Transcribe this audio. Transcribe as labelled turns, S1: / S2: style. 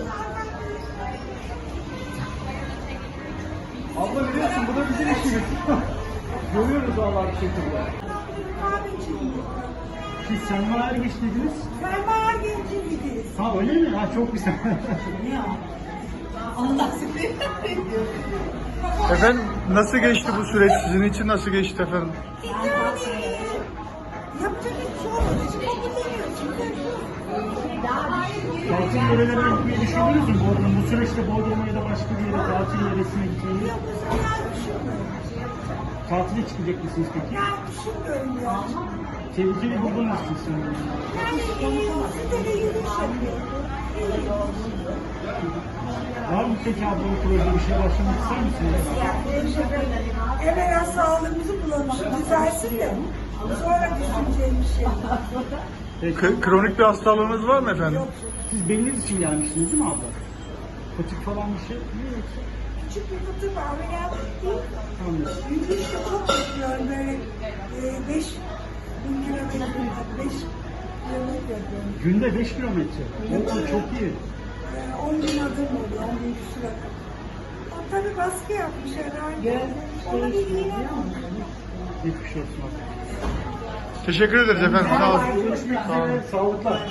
S1: Abla biliyorsun bu da bizim işimiz. Görüyoruz vallahi bir şekilde. Siz Selma Ergeç dediniz.
S2: Selma Ergenç'in gidiyoruz.
S1: Ha öyle mi? Ha çok güzel.
S2: Allah sizi.
S3: Efendim nasıl geçti bu süreç? Sizin için nasıl geçti efendim?
S2: Yapacak hiçbir şey olmadı. Şimdi kabulleniyorsun.
S1: Tatil yörelerine gitmeyi düşündünüz mü Bodrum? Bu süreçte Bodrum'a ya da başka bir yere tatil yöresine gitmeyi?
S2: Yok bu sefer düşünmüyorum.
S1: Tatile çıkacak mısınız peki?
S2: Yani düşünmüyorum ya.
S1: Tehlikeli buldunuz siz sanırım.
S2: Yani sitede yürüyüş yapıyorum.
S1: Var mı peki abla bu projede bir şey başlamak ister misiniz?
S2: Evvela sağlığımızı bulalım, düzelsin de sonra düşüneceğim bir şey.
S3: Kronik bir hastalığınız var mı efendim?
S2: Yok,
S1: Siz beliniz için gelmiştiniz değil mi abla? Patik falan bir şey mi yoksa?
S2: küçük bir kutu var, ameliyat değil.
S1: Anladım.
S2: Yürüyüşte çok yapıyorum böyle 5 bin kilometre, 5 kilometre yapıyorum.
S1: Günde 5 kilometre. Oo, çok iyi.
S2: 10 bin adım oluyor, 10 bin küsur adım. O tabii baskı yapmış herhalde. Ona bir iğne oldu.
S1: Geçmiş olsun abla.
S3: Teşekkür ederiz efendim. Sağ olun.
S1: Görüşmek üzere. Sağlıklar.